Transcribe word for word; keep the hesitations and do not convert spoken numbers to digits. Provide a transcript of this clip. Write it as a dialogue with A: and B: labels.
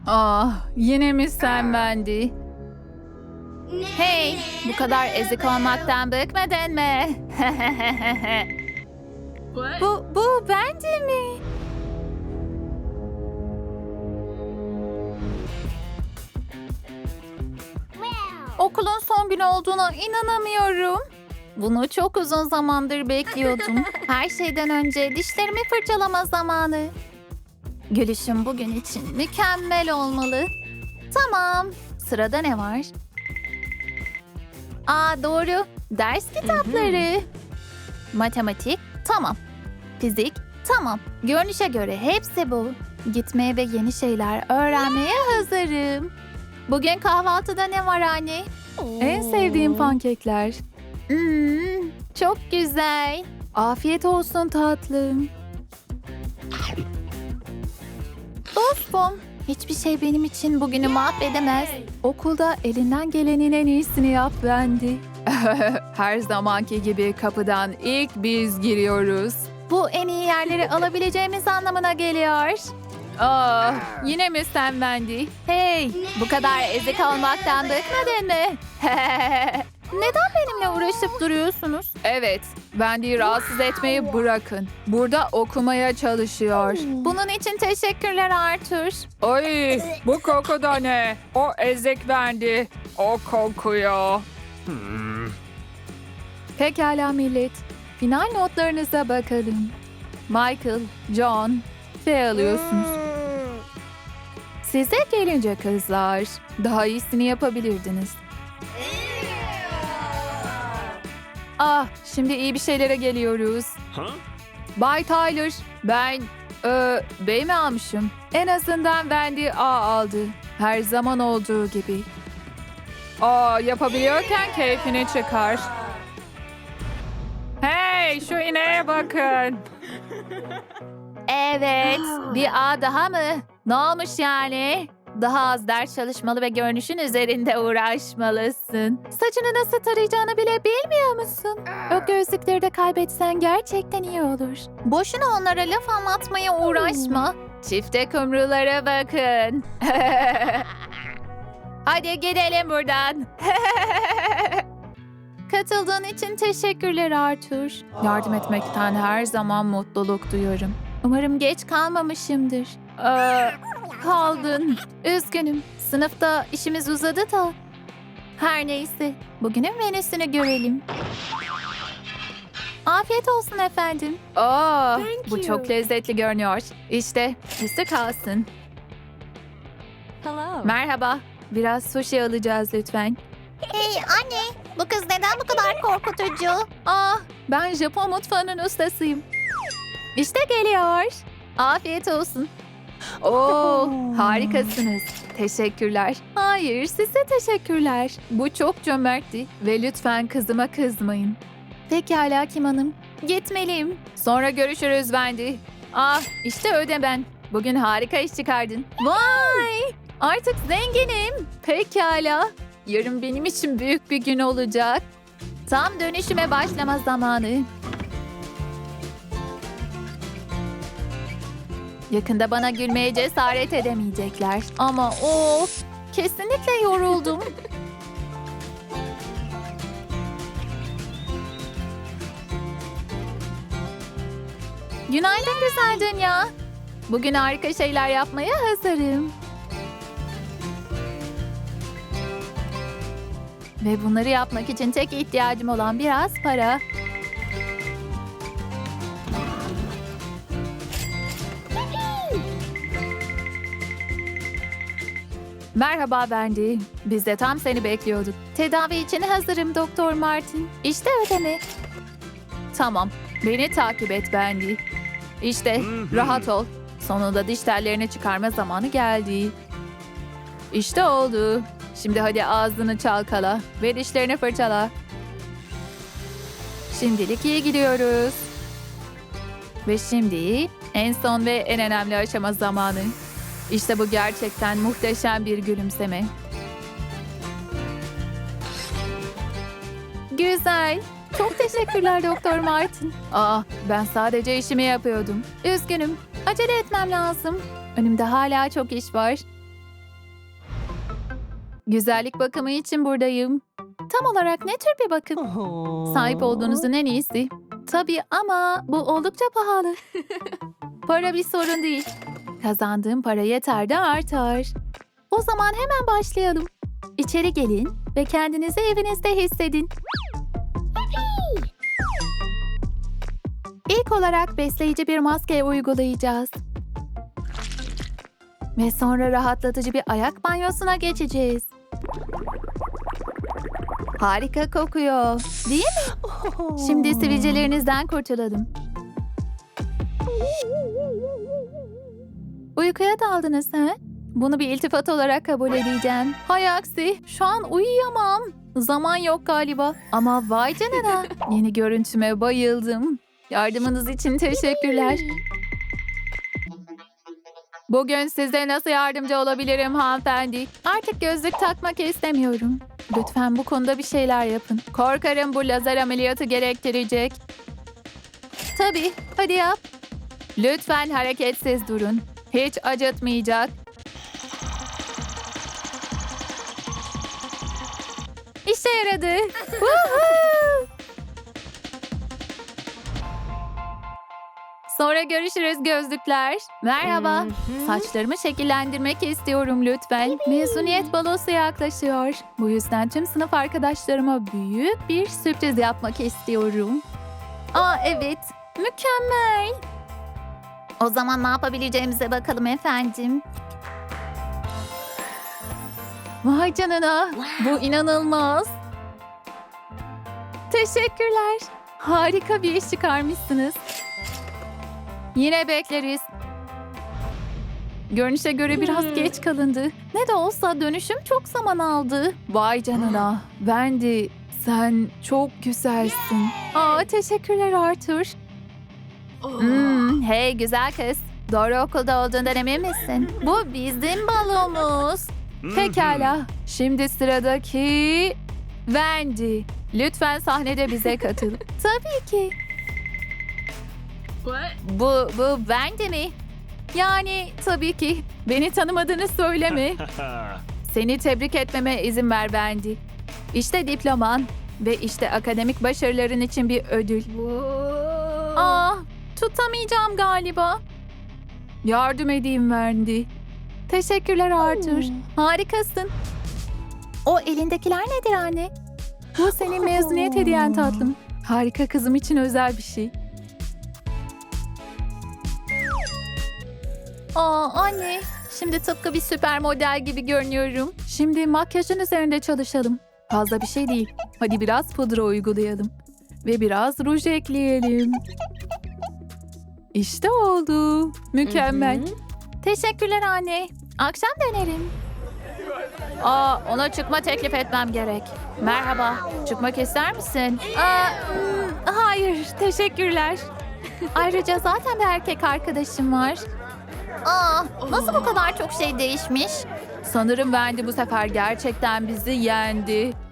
A: Ah, yine mi sen Wendy? Hey, bu kadar ezik olmaktan bıkmadın mı? bu, bu Wendy mi? Okulun son günü olduğuna inanamıyorum. Bunu çok uzun zamandır bekliyordum. Her şeyden önce dişlerimi fırçalama zamanı. Gülüşüm bugün için mükemmel olmalı. Tamam, sırada ne var? Aa doğru, ders kitapları. Matematik, tamam. Fizik, tamam. Görünüşe göre hepsi bu. Gitmeye ve yeni şeyler öğrenmeye hazırım. Bugün kahvaltıda ne var anne? En sevdiğim pankekler. Hmm, çok güzel. Afiyet olsun tatlım. Dostum, hiçbir şey benim için bugünü mahvedemez. Okulda elinden gelenin en iyisini yap Wendy. Her zamanki gibi kapıdan ilk biz giriyoruz. Bu en iyi yerleri alabileceğimiz anlamına geliyor. Ah, yine mi sen Wendy? Hey, bu kadar ezik olmaktan bıkmadın mı? Neden benimle uğraşıp duruyorsunuz? Evet, Wendy'yi rahatsız etmeyi bırakın. Burada okumaya çalışıyor. Bunun için teşekkürler Arthur. Ay, bu koku da ne? O ezik Wendy. O kokuyor. Pekala millet. Final notlarınıza bakalım. Michael, John, F alıyorsunuz. Size gelince kızlar, daha iyisini yapabilirdiniz. Ah, şimdi iyi bir şeylere geliyoruz. Bay Tyler, ben e, B mi almışım? En azından Wendy A aldı. Her zaman olduğu gibi. Aa, yapabiliyorken keyfini çıkar. Hey, şu ineğe bakın. Evet, bir A daha mı? Ne olmuş yani? Daha az ders çalışmalı ve görünüşün üzerinde uğraşmalısın. Saçını nasıl tarayacağını bile bilmiyor musun? O gözlükleri de kaybetsen gerçekten iyi olur. Boşuna onlara laf anlatmaya uğraşma. Çifte kumrulara bakın. Hadi gidelim buradan. Katıldığın için teşekkürler Arthur. Yardım etmekten her zaman mutluluk duyuyorum. Umarım geç kalmamışımdır. Aa, kaldın. Üzgünüm. Sınıfta işimiz uzadı da. Her neyse. Bugünün menüsünü görelim. Afiyet olsun efendim. Aa, bu çok lezzetli görünüyor. İşte üstü kalsın.
B: Hello.
A: Merhaba. Biraz sushi alacağız lütfen.
C: Hey anne, bu kız neden bu kadar korkutucu?
A: Ah, ben Japon mutfağının ustasıyım. İşte geliyor. Afiyet olsun. Oo, harikasınız. Teşekkürler. Hayır, size teşekkürler. Bu çok cömertti ve lütfen kızıma kızmayın. Pekala Kim Hanım. Gitmeliyim. Sonra görüşürüz Wendy. Ah, işte ödemen. Bugün harika iş çıkardın. Vay! Artık zenginim. Pekala. Yarın benim için büyük bir gün olacak. Tam dönüşüme başlama zamanı. Yakında bana gülmeye cesaret edemeyecekler. Ama of, kesinlikle yoruldum. Günaydın güzel dünya. Bugün harika şeyler yapmaya hazırım. Ve bunları yapmak için tek ihtiyacım olan biraz para. Merhaba Wendy. Biz de tam seni bekliyorduk. Tedavi için hazırım Doktor Martin. İşte ödeme. Tamam. Beni takip et Wendy. İşte rahat ol. Sonunda diş tellerini çıkarma zamanı geldi. İşte oldu. Şimdi hadi ağzını çalkala ve dişlerini fırçala. Şimdilik iyi gidiyoruz. Ve şimdi en son ve en önemli aşama zamanı. İşte bu gerçekten muhteşem bir gülümseme. Güzel. Çok teşekkürler Doktor Martin. Aa, ben sadece işimi yapıyordum. Üzgünüm. Acele etmem lazım. Önümde hala çok iş var. Güzellik bakımı için buradayım. Tam olarak ne tür bir bakım? Sahip olduğunuzun en iyisi. Tabii ama bu oldukça pahalı. Para bir sorun değil. Kazandığım para yeter de artar. O zaman hemen başlayalım. İçeri gelin ve kendinizi evinizde hissedin. İlk olarak besleyici bir maske uygulayacağız. Ve sonra rahatlatıcı bir ayak banyosuna geçeceğiz. Harika kokuyor, değil mi? Şimdi sivilcelerinizden kurtulalım. Uykuya daldınız ha? Bunu bir iltifat olarak kabul edeceğim. Hay aksi, şu an uyuyamam. Zaman yok galiba. Ama vay canına, yeni görüntüme bayıldım. Yardımınız için teşekkürler. Bugün size nasıl yardımcı olabilirim hanımefendi? Artık gözlük takmak istemiyorum. Lütfen bu konuda bir şeyler yapın. Korkarım bu lazer ameliyatı gerektirecek. Tabii, hadi yap. Lütfen hareketsiz durun. Hiç acıtmayacak. İşe yaradı. Woohoo! Sonra görüşürüz gözlükler. Merhaba. Saçlarımı şekillendirmek istiyorum lütfen. Mezuniyet balosu yaklaşıyor. Bu yüzden tüm sınıf arkadaşlarıma büyük bir sürpriz yapmak istiyorum. Aa evet, mükemmel.
C: O zaman ne yapabileceğimize bakalım efendim.
A: Vay canına, bu inanılmaz. Teşekkürler. Harika bir iş çıkarmışsınız. Yine bekleriz. Görünüşe göre biraz geç kalındı. Ne de olsa dönüşüm çok zaman aldı. Vay canına. Wendy, sen çok güzelsin. Aa, teşekkürler Arthur. Hmm, hey güzel kız. Doğru okulda olduğundan emin misin? Bu bizim balomuz. Pekala. Şimdi sıradaki Wendy. Lütfen sahnede bize katıl. Tabii ki. Bu, bu Wendy mi? Yani tabii ki. Beni tanımadığını söyleme. Seni tebrik etmeme izin ver Wendy. İşte diploman ve işte akademik başarıların için bir ödül. Aa, tutamayacağım galiba. Yardım edeyim Wendy. Teşekkürler Arthur. Harikasın. O elindekiler nedir anne? Bu senin mezuniyet hediyen tatlım. Harika kızım için özel bir şey. Aa anne, şimdi tıpkı bir süper model gibi görünüyorum. Şimdi makyajın üzerinde çalışalım. Fazla bir şey değil. Hadi biraz pudra uygulayalım. Ve biraz ruj ekleyelim. İşte oldu. Mükemmel. Teşekkürler anne. Akşam dönerim. Aa, ona çıkma teklif etmem gerek. Merhaba, çıkmak ister misin? Aa, hmm, hayır, teşekkürler. Ayrıca zaten bir erkek arkadaşım var.
C: Aa, nasıl bu kadar çok şey değişmiş?
A: Sanırım Wendy bu sefer gerçekten bizi yendi.